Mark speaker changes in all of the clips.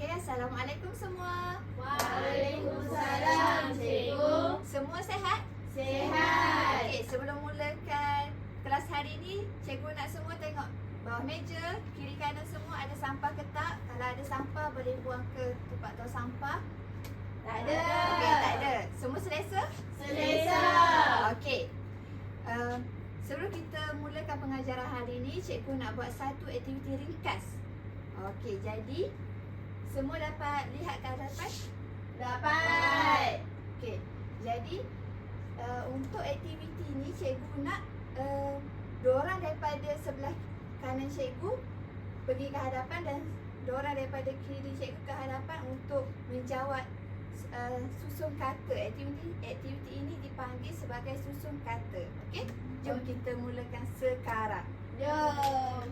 Speaker 1: Okey, Assalamualaikum semua.
Speaker 2: Waalaikumsalam, cikgu.
Speaker 1: Semua sihat?
Speaker 2: Sihat.
Speaker 1: Okey, sebelum mulakan kelas hari ni, cikgu nak semua tengok bawah meja, kiri kanan semua ada sampah ke tak? Kalau ada sampah boleh buang ke tempat tong sampah.
Speaker 2: Tak ada.
Speaker 1: Okey, tak ada. Semua selesa?
Speaker 2: Selesa.
Speaker 1: Okey. Sebelum kita mulakan pengajaran hari ni, cikgu nak buat satu aktiviti ringkas. Okey, jadi semua dapat lihat ke hadapan?
Speaker 2: Dapat.
Speaker 1: Okey. Jadi untuk aktiviti ni cikgu nak dua orang daripada sebelah kanan cikgu pergi ke hadapan dan dua orang daripada kiri cikgu ke hadapan untuk menjawab susun kata. Aktiviti ini dipanggil sebagai susun kata. Okey? Jom kita mulakan sekarang.
Speaker 2: Jom.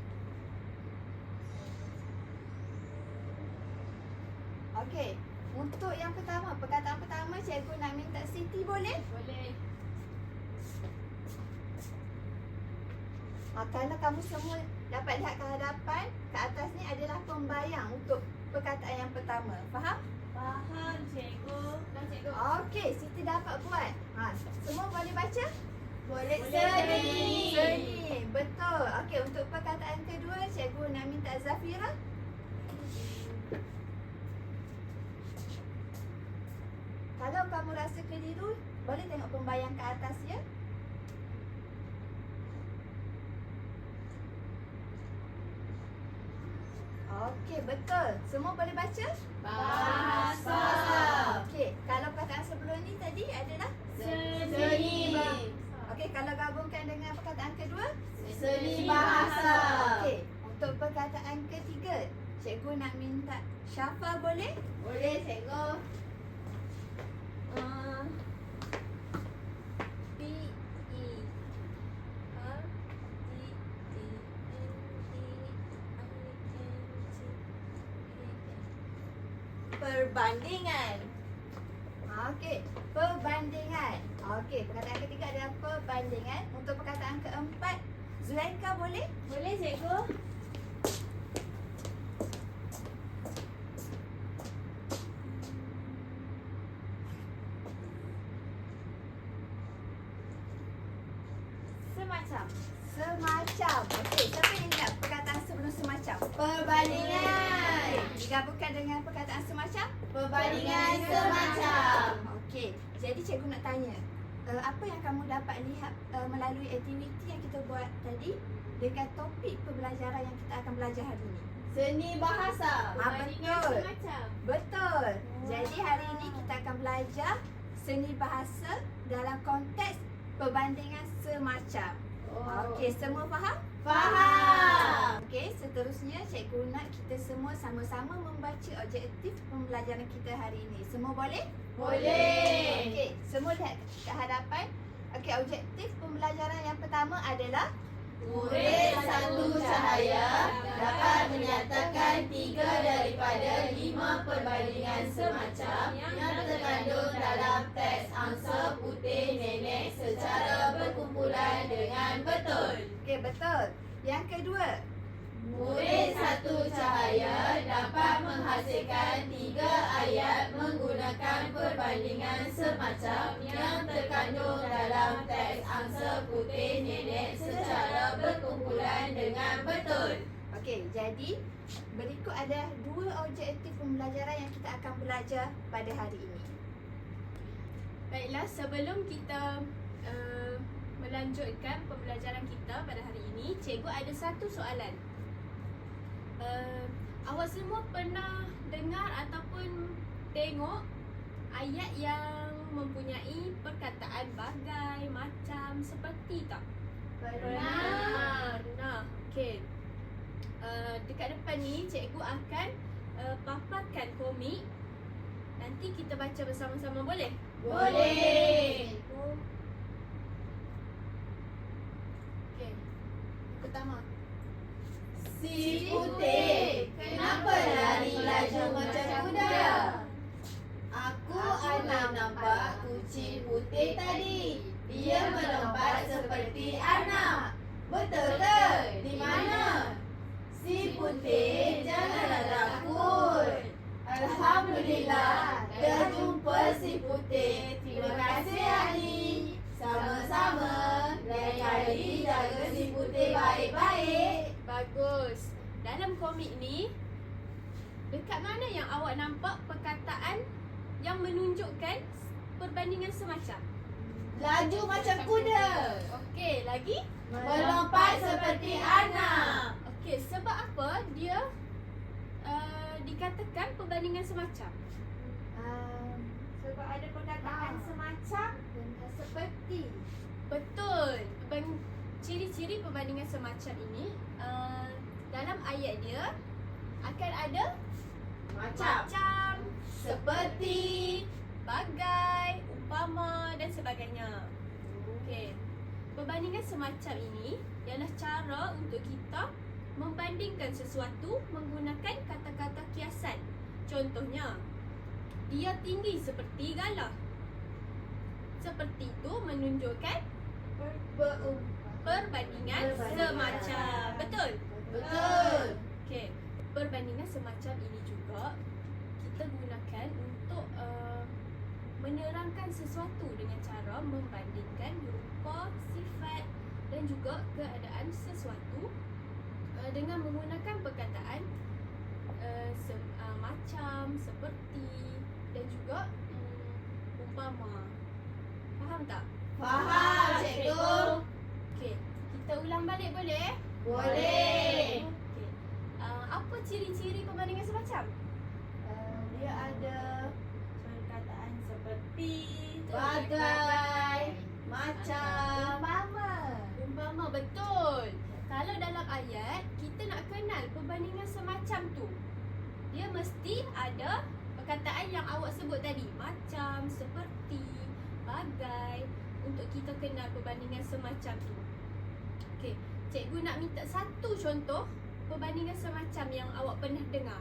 Speaker 1: Okey. Untuk yang pertama, perkataan pertama cikgu nak minta Siti boleh?
Speaker 2: Boleh.
Speaker 1: Kalau kamu semua dapat lihat ke hadapan, ke atas ni adalah pembayang untuk perkataan yang pertama. Faham?
Speaker 2: Faham, cikgu. Dah, cikgu.
Speaker 1: Okey, Siti dapat buat. Semua boleh baca?
Speaker 2: Boleh.
Speaker 1: Seni. Betul. Okey, untuk perkataan kedua, cikgu nak minta Zafira. Kalau kamu rasa keliru, boleh tengok pembayang ke atas ya. Okey, betul. Semua boleh baca?
Speaker 2: Bahasa.
Speaker 1: Okey, kalau perkataan sebelum ni tadi adalah
Speaker 2: Seni.
Speaker 1: okey, kalau gabungkan dengan perkataan kedua?
Speaker 2: Seni bahasa.
Speaker 1: Okey, untuk perkataan ketiga, cikgu nak minta Syafa boleh?
Speaker 2: Boleh, cikgu. Perbandingan.
Speaker 1: Okey, perbandingan. Okey, perkataan ketiga adalah perbandingan. Untuk perkataan keempat, Zulaika boleh?
Speaker 2: Boleh, cikgu.
Speaker 1: Semacam. Okey, siapa yang ingat perkataan sebelum semacam?
Speaker 2: Perbandingan.
Speaker 1: Digabungkan dengan perkataan semacam?
Speaker 2: Perbandingan semacam.
Speaker 1: Okey, jadi cikgu nak tanya, apa yang kamu dapat lihat melalui aktiviti yang kita buat tadi dengan topik pembelajaran yang kita akan belajar hari ini?
Speaker 2: Seni bahasa.
Speaker 1: Betul.
Speaker 2: Semacam.
Speaker 1: Betul. Jadi hari ini kita akan belajar seni bahasa dalam konteks perbandingan semacam. Okey, semua faham?
Speaker 2: Faham.
Speaker 1: Okey, seterusnya cikgu nak kita semua sama-sama membaca objektif pembelajaran kita hari ini. Semua boleh?
Speaker 2: Boleh.
Speaker 1: Okey, semua lihat ke hadapan. Okey, objektif pembelajaran yang pertama adalah
Speaker 2: Murid satu cahaya dapat menyatakan 3 daripada 5 perbandingan semacam yang terkandung dalam teks angsa putih nenek secara berkumpulan dengan betul.
Speaker 1: okey, betul. Yang kedua,
Speaker 2: Murid satu cahaya dapat menghasilkan 3 ayat menggunakan perbandingan semacam yang terkandung dalam teks angsa putih nenek secara berkumpulan dengan betul.
Speaker 1: okey, jadi berikut ada 2 objektif pembelajaran yang kita akan belajar pada hari ini.
Speaker 3: Baiklah, sebelum kita melanjutkan pembelajaran kita pada hari ini, cikgu ada satu soalan. Awak semua pernah dengar ataupun tengok ayat yang mempunyai perkataan bagai, macam, seperti tak?
Speaker 2: Pernah.
Speaker 3: Pernah. Okey. Dekat depan ni cikgu akan paparkan komik. Nanti kita baca bersama-sama, boleh?
Speaker 2: Boleh.
Speaker 3: Okey. Pertama.
Speaker 2: Si putih, kenapa lari laju macam kuda? Aku ada nampak kucing putih tadi. Dia melompat seperti anak. Betul ke? Di mana? Si putih, janganlah takut. putih. Terima kasih Ali. Sama-sama. Lain kali jaga si putih baik-baik.
Speaker 3: Bagus. Dalam komik ni, dekat mana yang awak nampak perkataan yang menunjukkan perbandingan semacam?
Speaker 2: Laju macam kuda.
Speaker 3: Okey, lagi?
Speaker 2: Melompat seperti anak.
Speaker 3: Okey, sebab apa dia dikatakan perbandingan semacam?
Speaker 1: Sebab ada perkataan semacam dan seperti.
Speaker 3: Betul. Ciri-ciri perbandingan semacam ini dalam ayat dia akan ada macam, seperti, bagai, umpama dan sebagainya. Okey. Perbandingan semacam ini ialah cara untuk kita membandingkan sesuatu menggunakan kata-kata kiasan. Contohnya, dia tinggi seperti galah. Seperti itu menunjukkan perbandingan semacam. Betul?
Speaker 2: Betul.
Speaker 3: Okey. Perbandingan semacam ini juga kita gunakan untuk menerangkan sesuatu dengan cara membandingkan rupa, sifat dan juga keadaan sesuatu dengan menggunakan perkataan macam, seperti dan juga umpama. Faham tak?
Speaker 2: Faham, cikgu.
Speaker 3: Okey, kita ulang balik boleh?
Speaker 2: Boleh.
Speaker 3: Okey. Apa ciri-ciri perbandingan semacam?
Speaker 1: Dia ada
Speaker 2: Perkataan seperti,
Speaker 1: bagai,
Speaker 2: macam.
Speaker 3: Umpama, betul. Kalau dalam ayat kita nak kenal perbandingan semacam tu, dia mesti ada perkataan yang awak sebut tadi, macam, seperti, bagai, untuk kita kenal perbandingan semacam tu. Okey, cikgu nak minta satu contoh perbandingan semacam yang awak pernah dengar.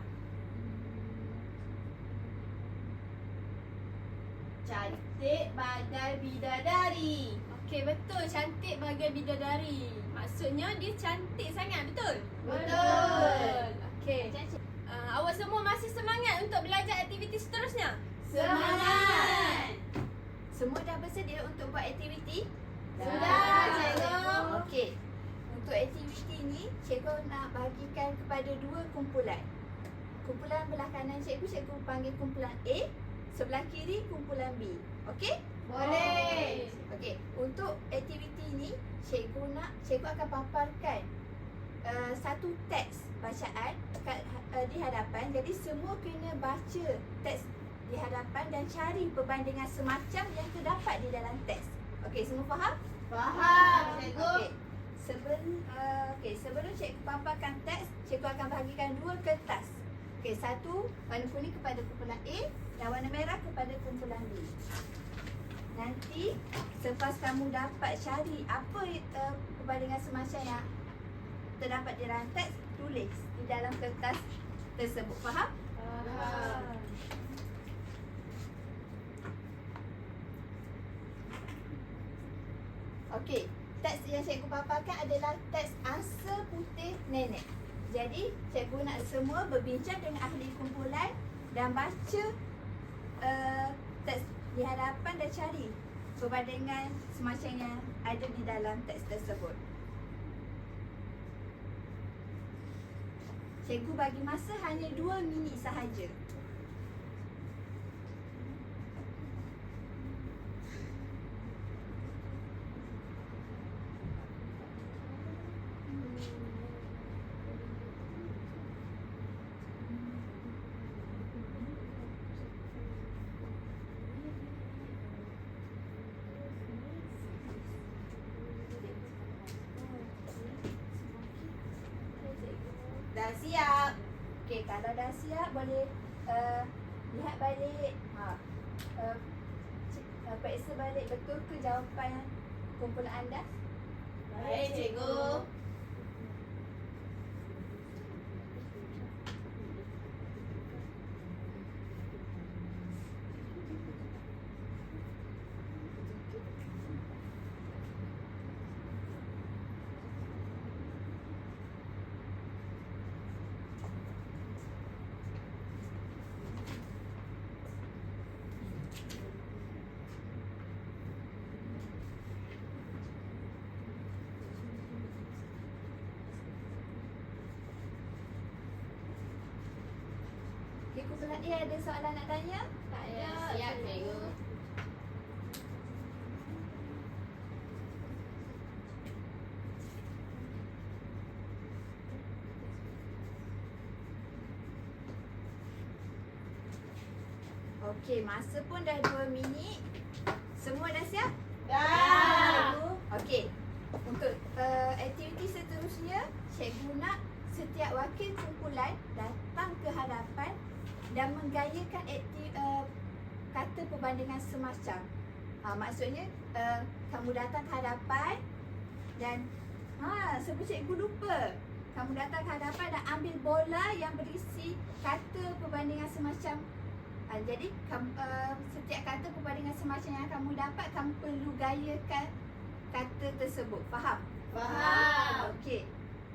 Speaker 2: Cantik bagai bidadari.
Speaker 3: Okey, betul, cantik bagai bidadari. Maksudnya dia cantik sangat, betul?
Speaker 2: Betul.
Speaker 3: Okey. Awak semua masih semangat untuk belajar aktiviti seterusnya?
Speaker 2: Semangat.
Speaker 1: Semua dah bersedia untuk buat aktiviti?
Speaker 2: Sudah, cikgu.
Speaker 1: Okey. Untuk aktiviti ni, cikgu nak bagikan kepada dua kumpulan. Kumpulan belah kanan cikgu panggil kumpulan A. Sebelah kiri kumpulan B. Okey?
Speaker 2: Boleh.
Speaker 1: Okey. Untuk aktiviti ni, cikgu akan paparkan satu teks bacaan di hadapan. Jadi semua kena baca teks di hadapan dan cari perbandingan semacam yang terdapat di dalam teks. Okey, semua faham?
Speaker 2: Faham, cikgu.
Speaker 1: Okey, sebelum cikgu paparkan teks, cikgu akan bahagikan dua kertas. Okey, satu warna kuning kepada kumpulan A dan warna merah kepada kumpulan B. Nanti selepas kamu dapat cari apa perbandingan semacam yang terdapat di dalam teks, tulis di dalam kertas tersebut. Faham?
Speaker 2: Faham.
Speaker 1: Okey, teks yang cikgu paparkan adalah teks Angsa Putih Nenek. Jadi, cikgu nak semua berbincang dengan ahli kumpulan dan baca teks di hadapan dan cari perbandingan semacam yang ada di dalam teks tersebut. Cikgu bagi masa hanya 2 minit sahaja.
Speaker 2: Dah siap.
Speaker 1: Okey, kalau dah siap boleh lihat balik. Periksa balik betul ke jawapan kumpulan anda?
Speaker 2: Baik, cikgu.
Speaker 1: Okey, kumpulan A ada soalan nak tanya?
Speaker 3: Tak
Speaker 2: Ya,
Speaker 3: ada.
Speaker 2: siap cikgu.
Speaker 1: Okey, masa pun dah 2 minit. Semua dah siap?
Speaker 2: Dah.
Speaker 1: Okey. Untuk aktiviti seterusnya, cikgu nak setiap wakil kumpulan datang ke hadapan dan menggayakan kata perbandingan semacam. Maksudnya kamu datang ke hadapan dan sebab cikgu lupa. Kamu datang ke hadapan dan ambil bola yang berisi kata perbandingan semacam. Jadi setiap kata perbandingan semacam yang kamu dapat, kamu perlu gayakan kata tersebut. Faham?
Speaker 2: Faham.
Speaker 1: Okey.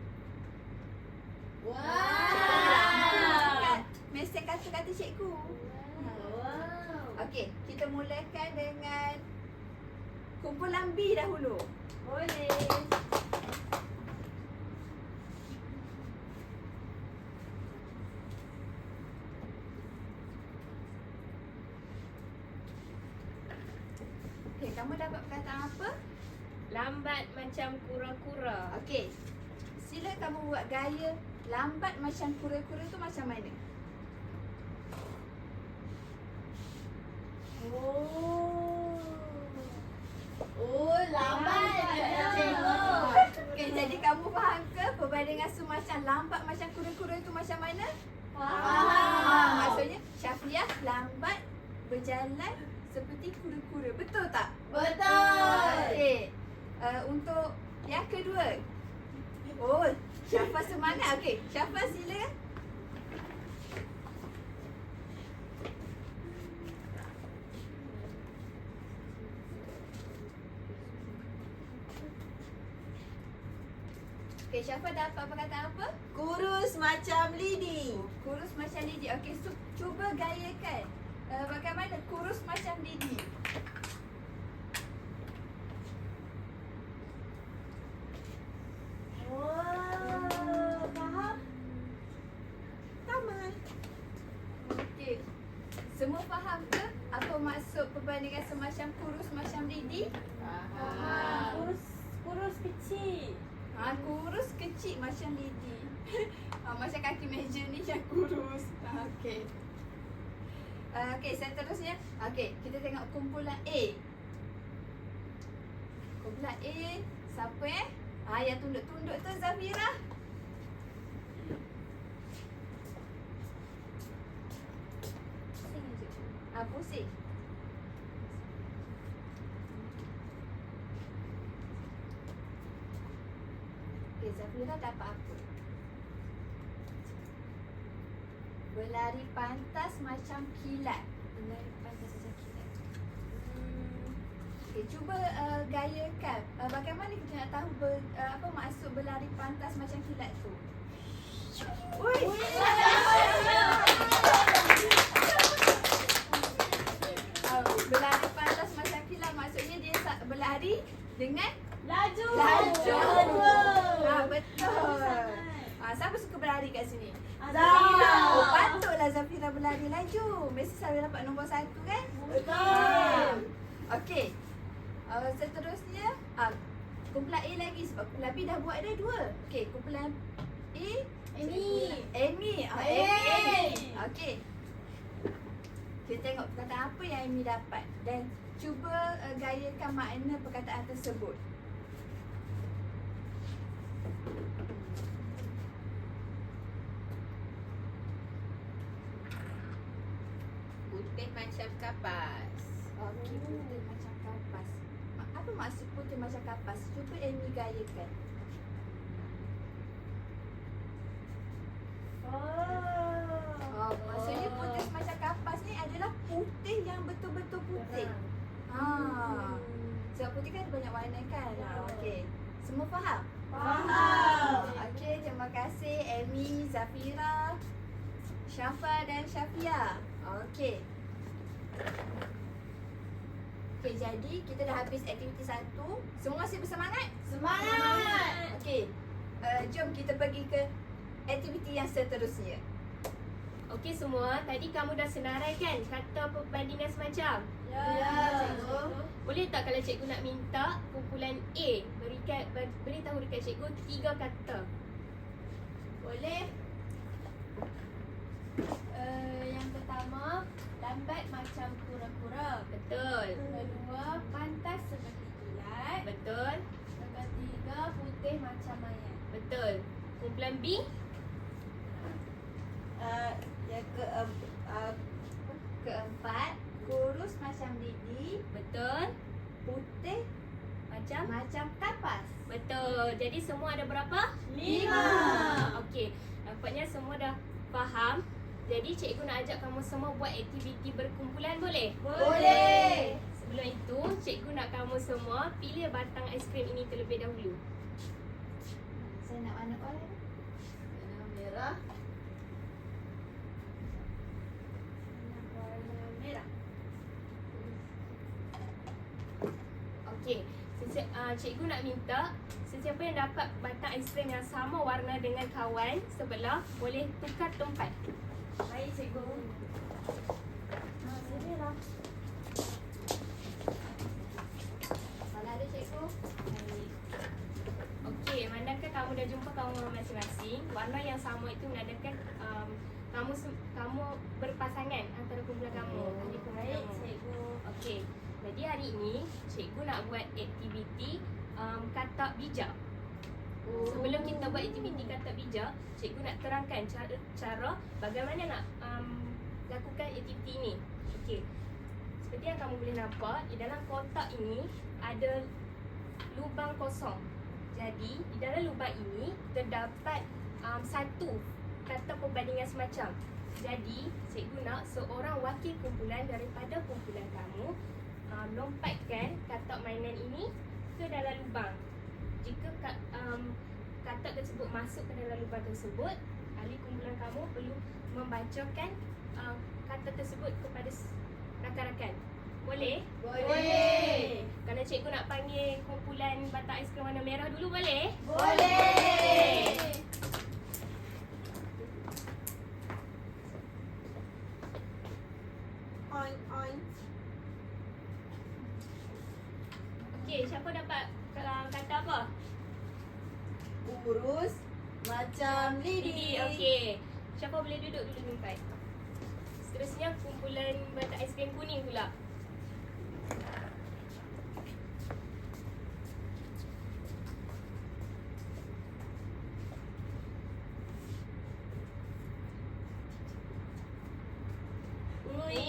Speaker 2: Wow.
Speaker 1: Mesej kata-kata cikgu.
Speaker 2: Wow.
Speaker 1: Okey, kita mulakan dengan kumpulan B dahulu.
Speaker 2: Boleh.
Speaker 1: Okey, kamu dapat perkataan apa?
Speaker 3: Lambat macam kura-kura.
Speaker 1: Okey. Sila kamu buat gaya lambat macam kura-kura tu macam mana?
Speaker 2: Oh, lambat cikgu.
Speaker 1: Okey, jadi kamu faham ke perbandingan semacam lambat macam kura-kura tu macam mana?
Speaker 2: Faham.
Speaker 1: Maksudnya Syafiah lambat berjalan seperti kura-kura. Betul tak?
Speaker 2: Betul.
Speaker 1: Okey. Untuk yang kedua. Oh, Syafa semangat. Okey, Syafa sila. Okey, Syafa dapat perkataan apa?
Speaker 2: Kurus macam lidi.
Speaker 1: Kurus macam lidi. Okey, cuba gayakan. Bagaimana kurus macam lidi?
Speaker 2: Wow, faham?
Speaker 1: Taman. Okey. Semua faham ke apa maksud perbandingan semacam kurus macam lidi?
Speaker 2: Faham.
Speaker 3: Kurus kecil.
Speaker 1: Kurus kecil macam lidi. Macam kaki meja ni yang kurus. Okey. Okey, seterusnya. Okey, kita tengok kumpulan A. Kumpulan A, siapa yang tunduk-tunduk tu Zafira? Pusing. Okey, Zafira dapat apa? Berlari pantas macam kilat. Berlari pantas macam kilat. Okey, cuba gayakan. Bagaimana kita nak tahu apa maksud berlari pantas macam kilat tu? Ui. Berlari pantas macam kilat maksudnya dia berlari dengan
Speaker 2: Laju.
Speaker 1: laju.
Speaker 2: Laju.
Speaker 1: Betul. Siapa suka berlari kat sini?
Speaker 2: Zafira.
Speaker 1: Oh, patutlah Zafira berlari laju. Mesti selalu dapat nombor 1 kan?
Speaker 2: Betul.
Speaker 1: Okey. Seterusnya kumpulan A lagi sebab kumpulan B dah buat ada 2. Okey, kumpulan A
Speaker 2: Amy.
Speaker 1: Amy.
Speaker 2: Amy.
Speaker 1: Okey. Kita tengok perkataan apa yang Amy dapat dan cuba gayakan makna perkataan tersebut.
Speaker 2: Putih macam kapas.
Speaker 1: Okey, putih macam kapas. Apa maksud putih macam kapas? Cuba Amy gayakan. Maksudnya putih macam kapas ni adalah putih yang betul-betul putih. Sebab putih kan ada banyak warna kan? Okey. Semua faham?
Speaker 2: Faham.
Speaker 1: Okey, terima kasih Amy, Zafira, Syafa dan Syafia. Okey. Okey, jadi kita dah habis aktiviti 1. Semua masih bersemangat?
Speaker 2: Semangat.
Speaker 1: Okey. Jom kita pergi ke aktiviti yang seterusnya.
Speaker 3: Okey semua, tadi kamu dah senarai kan kata perbandingan semacam?
Speaker 1: Ya, cikgu.
Speaker 3: Boleh tak kalau cikgu nak minta kumpulan A beritahu dekat cikgu 3 kata?
Speaker 1: Boleh.
Speaker 3: Yang pertama, lambat macam kura-kura. Betul.
Speaker 2: Kedua, pantas seperti kilat.
Speaker 3: Betul.
Speaker 2: Yang ketiga, putih macam mayat.
Speaker 3: Betul. Kumpulan B?
Speaker 1: Yang keempat, kurus macam lidi,
Speaker 3: Betul.
Speaker 1: putih macam kapas.
Speaker 3: Betul. Jadi semua ada berapa?
Speaker 1: 5.
Speaker 3: Okey. Nampaknya semua dah faham. Jadi cikgu nak ajak kamu semua buat aktiviti berkumpulan boleh?
Speaker 1: Boleh.
Speaker 3: Sebelum itu, cikgu nak kamu semua pilih batang aiskrim ini terlebih dahulu.
Speaker 1: Saya nak warna oranye.
Speaker 2: Warna merah.
Speaker 1: Warna merah.
Speaker 3: Okey. Cikgu nak minta sesiapa yang dapat batang aiskrim yang sama warna dengan kawan sebelah boleh tukar tempat.
Speaker 1: Baik, cikgu. Sini lah. Mana ada cikgu?
Speaker 3: Okey, manakah kamu dah jumpa kawan masing-masing, warna yang sama itu menandakan kamu berpasangan antara kumpulan kamu, ahli kumpulan
Speaker 1: Baik,
Speaker 3: kamu.
Speaker 1: cikgu.
Speaker 3: Okey. Jadi hari ini cikgu nak buat aktiviti katak bijak. Sebelum kita buat aktiviti katak bijak, cikgu nak terangkan cara bagaimana nak lakukan aktiviti ini. Okey. Seperti yang kamu boleh nampak, di dalam kotak ini ada lubang kosong. Jadi, di dalam lubang ini terdapat satu kata perbandingan semacam. Jadi, cikgu nak seorang wakil kumpulan daripada kumpulan kamu lompatkan katak mainan ini ke dalam lubang. Jika katak tersebut masuk ke dalam lubang tersebut, ahli kumpulan kamu perlu membacakan kata tersebut kepada rakan-rakan. Boleh?
Speaker 1: Boleh.
Speaker 3: Kalau cikgu nak panggil kumpulan batang aiskrim warna merah dulu boleh?
Speaker 1: Boleh.
Speaker 2: Oink, oink.
Speaker 3: Okey, siapa dapat kata apa?
Speaker 1: Kurus macam lidi.
Speaker 3: Okey. Siapa boleh duduk dulu tempat? Seterusnya kumpulan batang aiskrim kuning pula. Ui.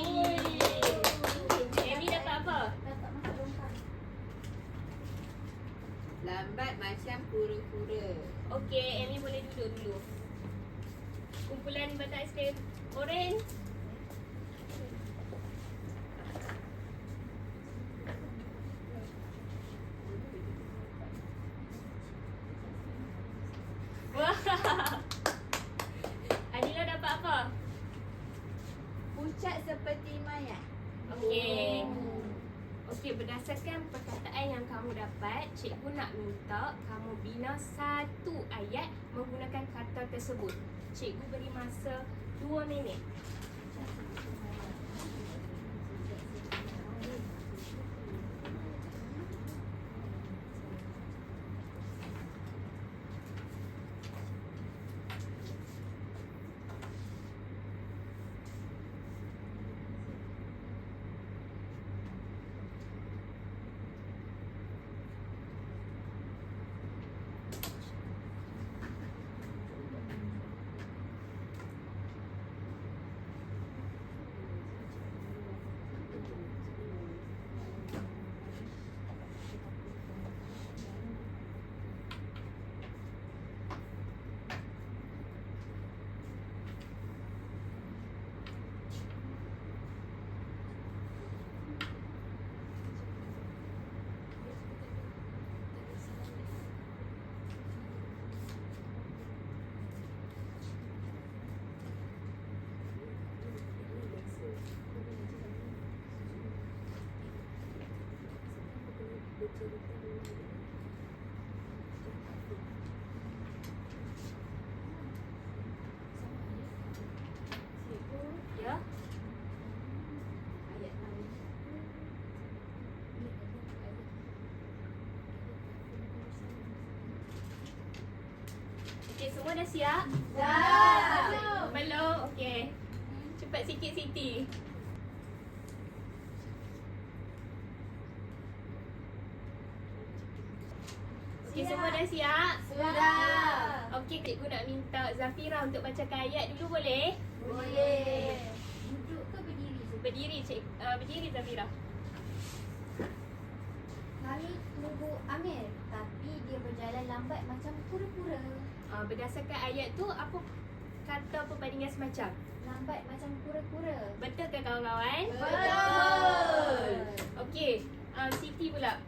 Speaker 3: Amy dapat apa?
Speaker 1: Tak masuk longkang.
Speaker 2: Lambat macam kura-kura.
Speaker 3: Okey, Amy boleh duduk dulu. Kumpulan batang aiskrim oren. Wah. Adila dapat apa?
Speaker 1: Pucat seperti mayat.
Speaker 3: Okey. Okey, berdasarkan perkataan yang kamu dapat, cikgu nak minta kamu bina satu ayat menggunakan kata tersebut. Cikgu beri masa 2 minit. dia.
Speaker 2: Ayat lain.
Speaker 3: Okey, semua dah siap?
Speaker 2: Dah.
Speaker 3: Belum? Okey. Cepat sikit Siti. Okey, semua dah siap?
Speaker 2: Sudah.
Speaker 3: Okey, cikgu nak minta Zafira untuk bacakan ayat dulu boleh?
Speaker 2: Boleh.
Speaker 1: Duduk ke berdiri?
Speaker 3: Berdiri berdiri Zafira.
Speaker 1: Lalu tunggu Amir, tapi dia berjalan lambat macam kura-kura.
Speaker 3: Berdasarkan ayat tu apa kata perbandingan semacam?
Speaker 1: Lambat macam kura-kura.
Speaker 3: Betul ke kawan-kawan?
Speaker 2: Betul.
Speaker 3: Okey, Siti pula.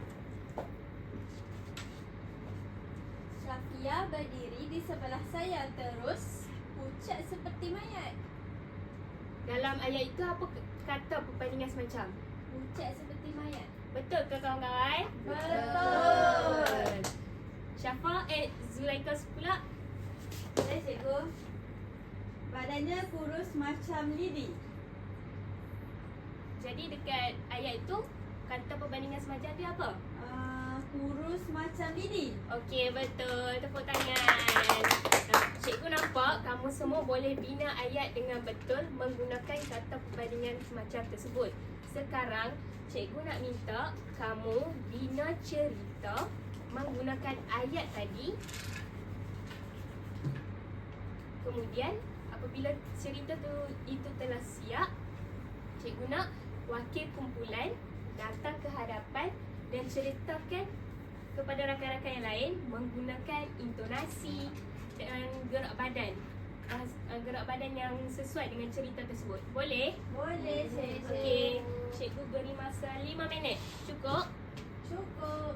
Speaker 2: Syafia berdiri di sebelah saya terus pucat seperti mayat.
Speaker 3: Dalam ayat itu apa kata perbandingan semacam?
Speaker 2: Pucat seperti mayat.
Speaker 3: Betul ke kawan-kawan?
Speaker 2: Betul.
Speaker 3: Syafa, Zulaika pula.
Speaker 2: Boleh cikgu. Badannya kurus macam lidi.
Speaker 3: Jadi dekat ayat itu kata perbandingan semacam dia apa?
Speaker 2: Kurus macam lidi.
Speaker 3: Okey, betul. Tepuk tangan. Cikgu nampak kamu semua boleh bina ayat dengan betul menggunakan kata perbandingan semacam tersebut. Sekarang, cikgu nak minta kamu bina cerita menggunakan ayat tadi. Kemudian, apabila cerita itu telah siap, cikgu nak wakil kumpulan datang ke hadapan dan ceritakan kepada rakan-rakan yang lain menggunakan intonasi dan gerak badan. Gerak badan yang sesuai dengan cerita tersebut. Boleh?
Speaker 2: Boleh cikgu.
Speaker 3: Okey, cikgu beri masa 5 minit. Cukup?
Speaker 2: Cukup.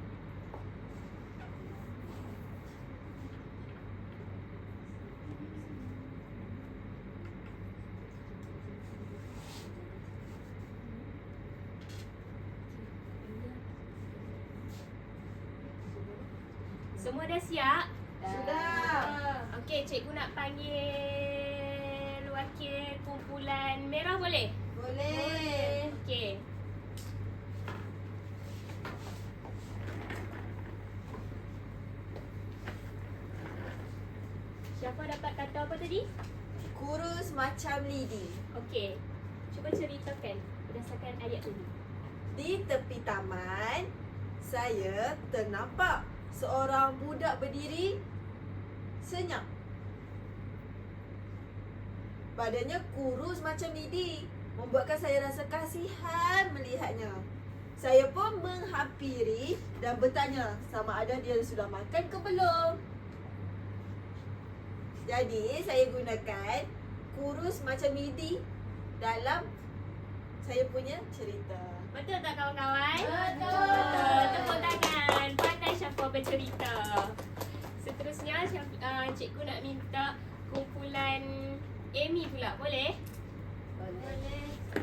Speaker 3: Semua dah siap?
Speaker 2: Sudah.
Speaker 3: Okey, cikgu nak panggil wakil kumpulan merah boleh?
Speaker 2: Boleh.
Speaker 3: Okey. Siapa dapat kata apa tadi?
Speaker 2: Kurus macam lidi.
Speaker 3: Okey. Cuba ceritakan berdasarkan ayat tadi.
Speaker 4: Di tepi taman, saya ternampak seorang budak berdiri senyap. Badannya kurus macam lidi, membuatkan saya rasa kasihan melihatnya. Saya pun menghampiri dan bertanya sama ada dia sudah makan ke belum. Jadi, saya gunakan kurus macam lidi dalam saya punya cerita.
Speaker 3: Betul tak kawan-kawan?
Speaker 2: Betul.
Speaker 3: Tepuk tangan. Pandai Syafa bercerita. Seterusnya cikgu nak minta kumpulan Amy pula. Boleh?
Speaker 2: Boleh.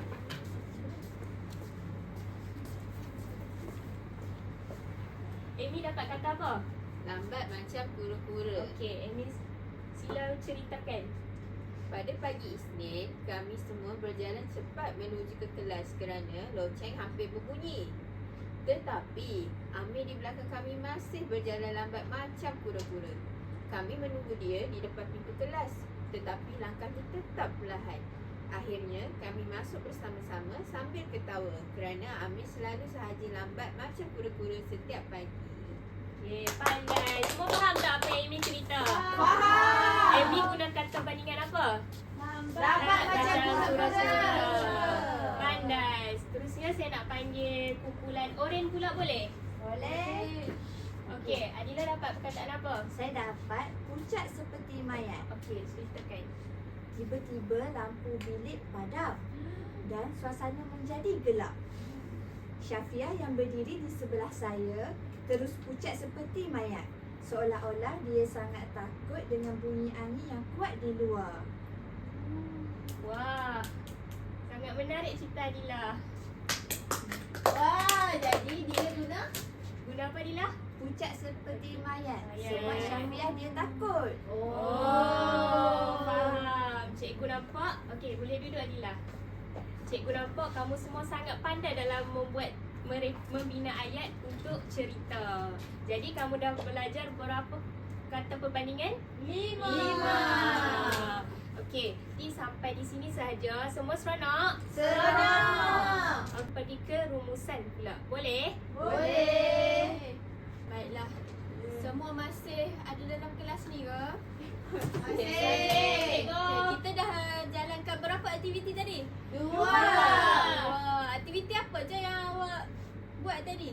Speaker 3: Amy dapat kata apa?
Speaker 2: Lambat macam kura-kura.
Speaker 3: Okey, Amy sila ceritakan.
Speaker 2: Pada pagi Isnin, kami semua berjalan cepat menuju ke kelas kerana loceng hampir berbunyi. Tetapi, Amir di belakang kami masih berjalan lambat macam kura-kura. Kami menunggu dia di depan pintu kelas, tetapi langkahnya tetap perlahan. Akhirnya, kami masuk bersama-sama sambil ketawa kerana Amir selalu sahaja lambat macam kura-kura setiap pagi.
Speaker 3: Okey, pandai. Semua faham tak apa yang Amy cerita?
Speaker 4: Faham.
Speaker 3: Amy guna kata bandingan apa?
Speaker 4: Lambat macam kura-kura.
Speaker 3: Pandai. Seterusnya saya nak panggil kumpulan Oren pula boleh?
Speaker 1: Boleh.
Speaker 3: Okey, Adila dapat perkataan apa?
Speaker 1: Saya dapat pucat seperti mayat.
Speaker 3: Okey, ceritakan.
Speaker 1: Tiba-tiba lampu bilik padam dan suasana menjadi gelap. Syafia yang berdiri di sebelah saya terus pucat seperti mayat. Seolah-olah dia sangat takut dengan bunyi angin yang kuat di luar.
Speaker 3: Wah, sangat menarik cerita Adila.
Speaker 2: Wah, jadi dia guna
Speaker 3: Guna apa Adila?
Speaker 1: Pucat seperti mayat
Speaker 3: Mayat.
Speaker 1: sebab Syafia dia takut.
Speaker 3: Oh, faham. Cikgu cikgu nampak. Okey, boleh duduk Adila. Cikgu nampak kamu semua sangat pandai dalam membina ayat untuk cerita. Jadi kamu dah belajar berapa kata perbandingan? 5. Okey, jadi sampai di sini sahaja. Semua seronok?
Speaker 1: Seronok.
Speaker 3: Pergi ke rumusan pula. Boleh?
Speaker 1: Boleh.
Speaker 3: Baiklah. Semua masih ada dalam kelas ni ke?
Speaker 1: Masih.
Speaker 3: Okay, kita dah jalankan berapa aktiviti tadi?
Speaker 1: 2.
Speaker 3: Wah, aktiviti apa je yang awak buat tadi?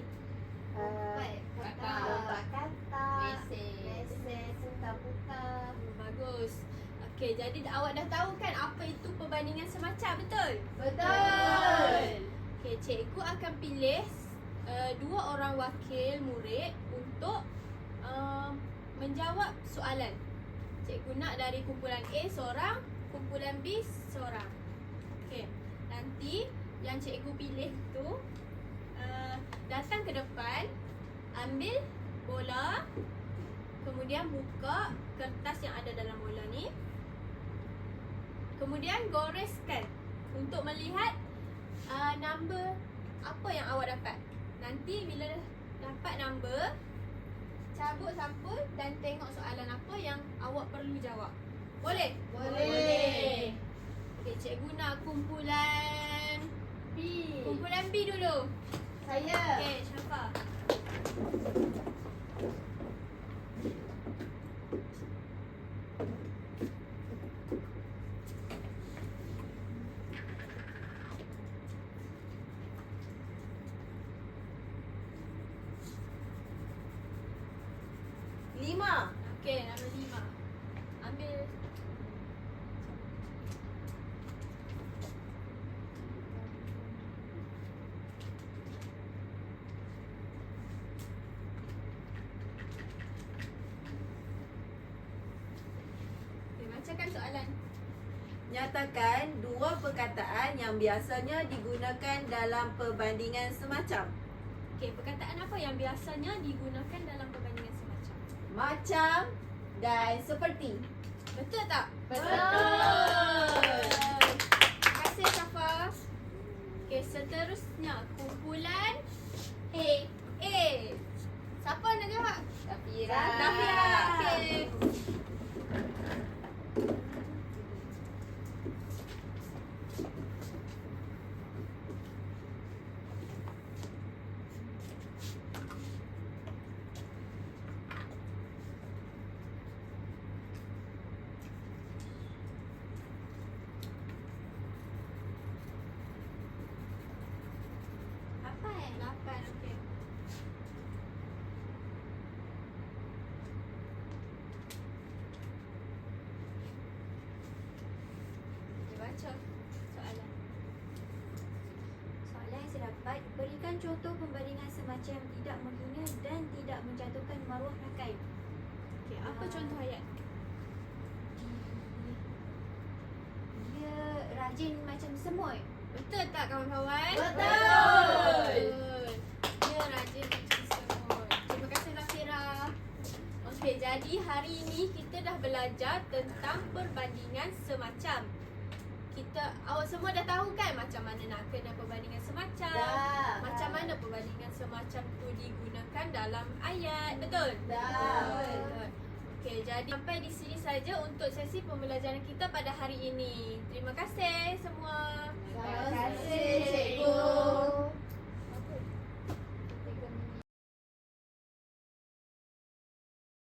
Speaker 1: Kata.
Speaker 2: Mesej.
Speaker 1: Putar-putar.
Speaker 3: Bagus. Okey, jadi awak dah tahu kan apa itu perbandingan semacam, betul?
Speaker 1: Betul.
Speaker 3: Okey, cikgu akan pilih 2 orang wakil murid untuk menjawab soalan. Cikgu nak dari kumpulan A seorang, kumpulan B seorang. Okey, nanti yang cikgu pilih tu datang ke depan, ambil bola, kemudian buka kertas yang ada dalam bola ni. Kemudian goreskan untuk melihat number apa yang awak dapat. Nanti bila dapat number, cabut sampul dan tengok soalan apa yang awak perlu jawab. Boleh?
Speaker 1: Boleh.
Speaker 3: Okey, cikgu nak kumpulan
Speaker 1: B.
Speaker 3: kumpulan B dulu.
Speaker 1: Saya.
Speaker 3: Okey, Syafa. Okey, nombor 5. Ambil. Okey, bacakan soalan.
Speaker 4: Nyatakan 2 perkataan yang biasanya digunakan dalam perbandingan semacam.
Speaker 3: Okey, perkataan apa yang biasanya digunakan dalam perbandingan semacam?
Speaker 1: Macam dan seperti.
Speaker 3: Betul tak?
Speaker 1: Betul.
Speaker 3: Terima kasih Syafa. Okey, seterusnya kumpulan A. Siapa nak jawab?
Speaker 1: Safira.
Speaker 3: Safira. Okey.
Speaker 1: Apa
Speaker 3: 8, okey. Okey, baca soalan.
Speaker 5: Soalan yang saya dapat, berikan contoh pembandingan semacam tidak menghina dan tidak menjatuhkan maruah rakan.
Speaker 3: Okey, apa contoh ayat?
Speaker 5: Dia rajin macam semut.
Speaker 3: Betul tak kawan-kawan?
Speaker 1: Betul.
Speaker 3: Dia rajin macam semut. Terima kasih Zafira. Okey, jadi hari ini kita dah belajar tentang perbandingan semacam. Awak semua dah tahu kan macam mana nak kenal perbandingan semacam?
Speaker 1: Dah.
Speaker 3: Macam mana perbandingan semacam tu digunakan dalam ayat, betul?
Speaker 1: Dah.
Speaker 3: Okey, jadi sampai di sini saja untuk sesi pembelajaran kita pada hari ini. Terima kasih semua.
Speaker 1: Terima kasih, Cikgu.